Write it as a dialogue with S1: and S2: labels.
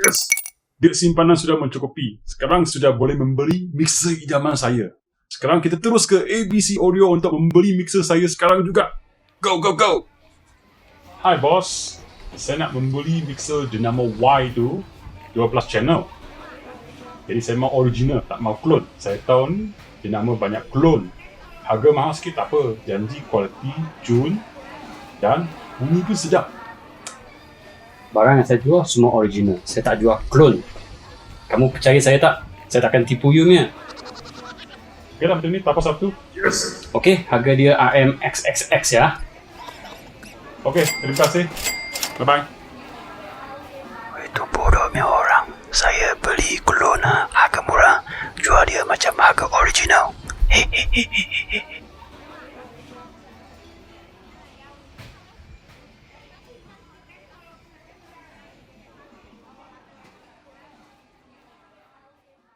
S1: Yes. Duit simpanan sudah mencukupi. Sekarang sudah boleh membeli mixer idaman saya. Sekarang kita terus ke ABC Audio untuk membeli mixer saya sekarang juga. Go, go, go. Hai bos. Saya nak membeli mixer Dynamo Y tu 12 channel. Jadi saya mau original, tak mau clone. Saya tahu ni Dynamo banyak clone. Harga mahal sikit tak apa. Janji kualiti Jun dan bunyi pun sedap.
S2: Barang yang saya jual semua original. Saya tak jual clone. Kamu percaya saya tak? Saya takkan tipu you punya.
S1: Okey lah, macam ni. Tapas satu. Yes.
S2: Okey, harga dia RMXXX ya.
S1: Okey, terima kasih. Bye-bye.
S3: Itu bodohnya orang. Saya beli clone harga murah, jual dia macam harga original. Hehehe.